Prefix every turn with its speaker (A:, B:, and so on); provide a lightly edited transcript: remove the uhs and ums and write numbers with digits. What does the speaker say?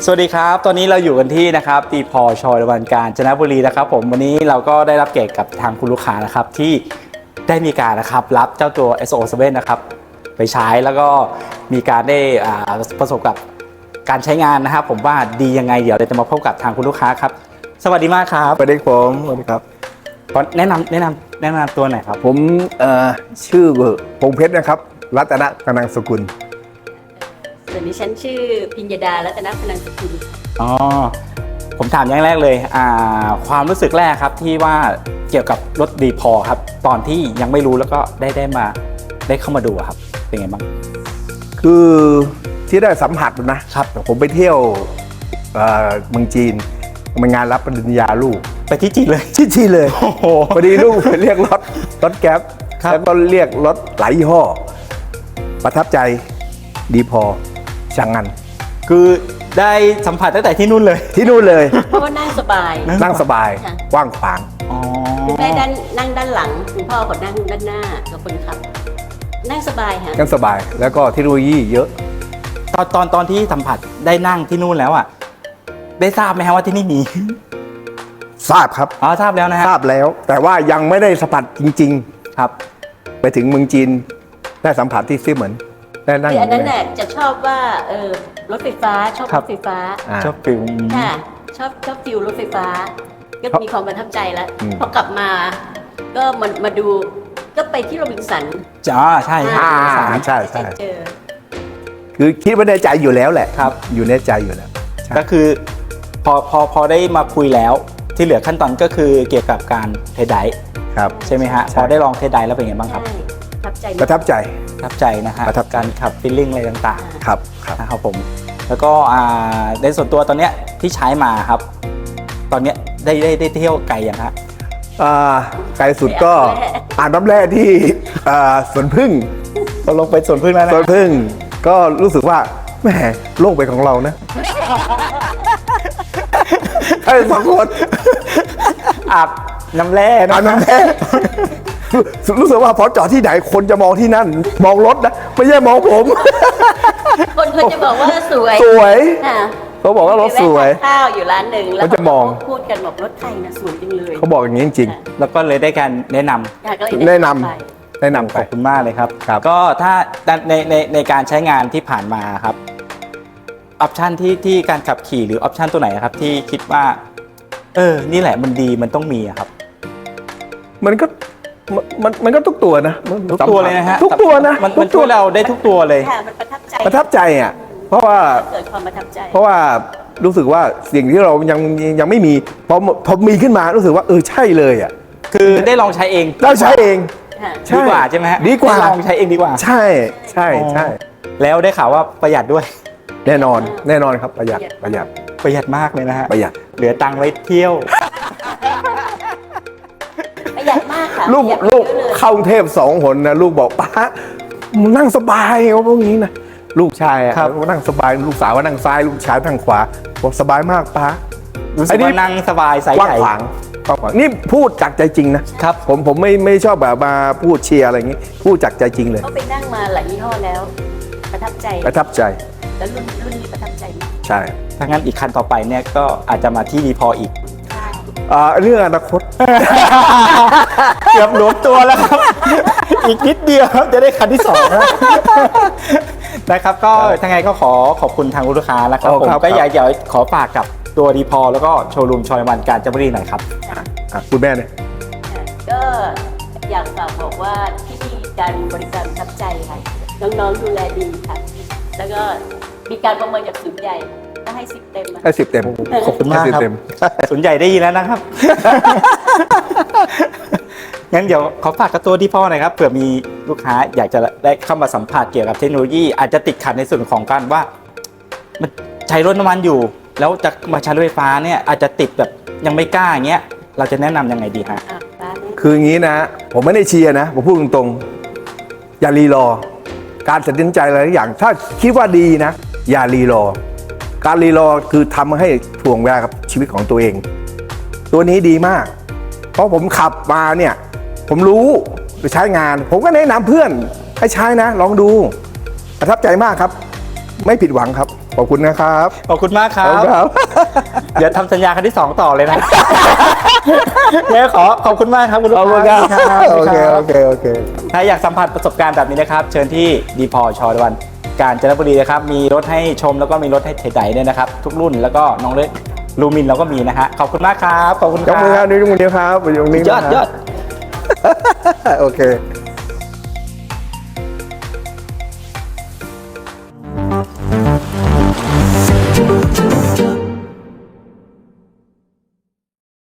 A: สวัสดีครับตอนนี้เราอยู่กันที่นะครับดีพอชอยวันกาญจนบุรีนะครับผมวันนี้เราก็ได้รับเกียรติกับทางคุณลูกค้านะครับที่ได้มีการนะครับรับเจ้าตัว SO7 นะครับไปใช้แล้วก็มีการได้ประสบกับการใช้งานนะครับผมว่าดียังไงเดี๋ยวเราจะมาพบกับทางคุณลูกค้าครับสวัสดีมากครับ
B: สวัสดีผมสวัสดีครับ
A: แนะนำตัวหน่อยครับ
B: ผมชื่อพงเพชรนะครับรัตนกนังสกุล
C: ส่วนดิฉันชื่อพิญญดารัตนพนันสกุล
A: อ๋อผมถามอย่างแรกเลยความรู้สึกแรกครับที่ว่าเกี่ยวกับรถดีพอครับตอนที่ยังไม่รู้แล้วก็ได้เข้ามาดูครับเป็นไงบ้าง
B: คือที่ได้สัมผัสนะครับผมไปเที่ยวเมืองจีนมันงานรับปริญญาลูก
A: ไปที่จีนเลย
B: ที่จีนเลย
A: โอ้โห
B: พอดีลูกเรียกรถแก๊ป
A: ครับ
B: แล้วก็เรียกรถหลายยี่ห้อประทับใจดีพอช่างงัน
A: คือได้สัมผัสตั้งแต่ที่นู่นเลย
B: ที่นู่นเลย
C: เพราะว่านั่งสบาย
B: นั่งสบาย
C: ค่ะ
B: กว้างขวาง
A: อ๋อ
C: คุณแม่นั่งด้านหลังคุณพ่อก็นั่งด้านหน้ากับคนขับ นั่งสบายค่ะ
B: นั่งสบายแล้วก็เทคโนโลยีเยอะ
A: ตอนที่สัมผัสได้นั่งที่นู่นแล้วได้ทราบไหมครับว่าที่นี่มี
B: ทราบครับ
A: อ๋อทราบแล้วนะฮะ
B: ทราบแล้ว แต่ว่ายังไม่ได้สัมผัสจริง
A: ครับ
B: ๆ ไปถึงเมืองจีนได้สัมผัสที่ซิเหมือนได้นั่ง
C: คืออันนั้นน่ะจะชอบว่ารถไฟฟ้าชอบ
A: ครั
C: ร
A: บ
C: ถไฟฟ้า
A: ชอบฟิล
C: ค่ะชอบฟิลรถไฟฟ้า ก็มีความประทับใจแล้ว
B: อืม
C: พอกลับมา ก็มาดูก็ไปที่โรบินสัน
A: จ้าใช่
B: อ่า
A: ใช่
B: ใช่ใช่
C: เจอ
B: คือคิดว่าในใจอยู่แล้วแหละ
A: ครับ
B: อยู่ในใจอยู่แล้วใช่
A: ก็คือพอได้มาคุยแล้วที่เหลือขั้นตอนก็คือเกี่ยวกับการเทสไดรฟ์
B: ครับ
A: ใช่ไหมฮะ
B: ใช่
A: พอได้ลองเทสไดรฟ์แล้วเป็นไงบ้างครับ
C: ใช่ประทับใจ
B: ประทับใจ
A: ประทับใจนะฮะ
B: ประทับใจ
A: การขับฟีลลิ่งอะไรต่าง
B: ครับครับ
A: ๆนะครับผมแล้วก็ในส่วนตัวตอนเนี้ยที่ใช้มาครับ ตอนเนี้ยได้เที่ยวไกลยังฮะ
B: ไกลสุดก็อ่านน้ำแร่ที่สวนพึ่ง
A: ตกลงไปสวนพึ่งแล้วนะ
B: สวนพึ่งก็รู้สึกว่าแหมโลกเป็นของเรานะไอ้สองคน
A: อาบน้ำแร่นะ
B: อ่านน้ำแร่รู้สึกว่าพอจอดที่ไหนคนจะมองที่นั่น มองรถนะไม่ใช่มองผม
C: คนจะบอกว่าสวย
B: สวย
C: ค่ะ
B: เขาบอกว่ารถสวย
C: ไปแวะทานข้าวอยู่ร้านหนึ่งแล้ว
B: เขาจะมอง
C: พูดกันบอกรถไทยนะสวยจังเลย
B: เขาบอกอย่างนี้จริง
A: แล้วก็เลยได้การแนะนำ
C: อยากเลย
B: แนะนำ
C: ไป
B: ๆแนะนำ
A: ข
B: ไป
A: อบคุณมากเลยครับ
B: ครับ
A: ก็ถ้าในการใช้งานที่ผ่านมาครับออปชันที่การขับขี่หรือออปชันตัวไหนครับที่คิดว่านี่แหละมันดีมันต้องมีอะครับ
B: มันก็ทุกตัวนะ
A: ทุกตัวเลยนะฮะ
B: ทุกตัวนะ
A: มัน
B: ทุก
A: ช่
B: ตัว
A: วยเราได้ทุกตัวเลย
C: ค่ะมันประทับใจ
B: ประทับใจอ่ะเพราะว่า
C: เกิดความประทับใจ
B: รู้สึกว่าสิ่งที่เรายังไม่มีพอมีขึ้นมารู้สึกว่าใช่เลยอ่ะ
A: คือได้ลองใช้เอง
B: เราใช้เอง
C: ค่ะ
B: ใช่
A: ดีกว่าใช่ไหมฮะ
B: ดีกว่า
A: ได้ลองใช้เองดีกว่า
B: ใช่ใช่ใช่
A: แล้วได้ข่าวว่าประหยัดด้วย
B: แน่นอนครับประหยัด
A: ประหยัดมากเลยนะฮะ
B: ประหยัด
A: เหลือตังค์ไว้เที่ยว
C: ประหยัดมากค่ะ
B: ลูก
C: ประหยัด
B: ลูก
C: เยอะเลย
B: เข้ากรุงเทพ2 หนนะลูกบอกป้ามึงนั่งสบายเขาพวกนี้นะลูกชายอะ
A: ครับ
B: เขานั่งสบายลูกสาวว่านั่งซ้ายลูกชายนั่งขวาบอกสบายมากป้า
A: รู้สึกว่านั่งสบายใส่
B: กว้าง
A: ใหญ่
B: ขวางกว้างขวางนี่พูดจากใจจริงนะครับ ผมไม่ชอบแบบมาพูดเชียร์อะไรอย่างงี้พูดจากใจจริงเลย
C: เขาไปนั่งมาหลายยี่ห้อแล้ว ประทับใจ
B: ประทับใจ
C: แล้วรุ่นนี้ประทับใจมาก
B: ใช่
A: ถ้างั้นอีกคันต่อไปเนี่ยก็อาจจะมาที่ดีพออีก
B: เรื่องอนาคต
A: เกือบหลวมตัวแล้วครับ อีกนิดเดียวจะได้คันที่สองแล้วนะครับก็ทั้งไงก็ขอบคุณทางลูกค้านะครับผมก็อยากขอฝากกับตัวดีพอแล้วก็โชว์รูมชอยวันกาญจนบุรีหน่อยครับ
B: คุณแม่เนี่ย
C: ก็อยากฝากบอกว่าที่นี่การบริการประทับใจค่ะน้องๆดูแลดีค่ะ แล้วก็มีการประเมินจากศูนย์ใหญ่ก็ให้10 เต็มอะ
B: ให้10 เต็ม
A: ขอบคุณมากครับ
B: ให้10 เต็ม
A: สนใจได้ยินแล้วนะครับ งั้นเดี๋ยวขอฝากกับตัวดีพอหน่อยครับเผื่อมีลูกค้าอยากจะได้เข้ามาสัมผัสเกี่ยวกับเทคโนโลยี อาจจะติดขัดในส่วนของการว่ามันใช้รถน้ำมันอยู่ แล้วจะมาใช้รถไฟฟ้าเนี่ยอาจจะติดแบบยังไม่กล้าอย่างเงี้ยเราจะแนะนำยังไงดีฮะ
C: ร้านนี้
B: คืออย่างนี้นะ ผมไม่ได้เชียร์นะ ผมพูดตรงๆ อย่ารีรอ การตัดสินใจอะไรทุกอย่าง ถ้าคิดว่าดีนะ อย่ารีรอ การรีรอคือทำให้ถ่วงเวลากับชีวิตของตัวเอง ตัวนี้ดีมาก เพราะผมขับมาเนี่ย ผมรู้ไปใช้งาน ผมก็แนะนำเพื่อนให้ใช้นะ ลองดู ประทับใจมากครับ ไม่ผิดหวังครับขอบคุณนะครับ
A: ขอบคุณมากครั
B: ขอบ คุณครับ
A: เดี๋ยวทำสัญญาครั้งที่ 2 ต่อเลยนะ เนี่ยขอบคุณมากครับคุณลูก
B: ขอบคุณ
A: ค้า
B: ครับโอเค
A: รับ
B: โอเคโอเค
A: ถ้าอยากสัมผัสประสบการณ์แบบนี้นะครับ เชิญที่ดีพอชอวันกาญจนบุรีนะครับ มีรถให้ชมแล้วก็มีรถให้เทไดด้วยนะครับ ทุกรุ่นแล้วก็น้องเล็กลูมินเราก็มีนะฮะขอบคุณมากครับขอบคุณค
B: ย
A: รั
B: ก
A: บ
B: มือครับนิ้วมือเดียวครับอยู่ตรงนี้
A: ยอด
B: นะครับ
A: ยอด
B: โอเค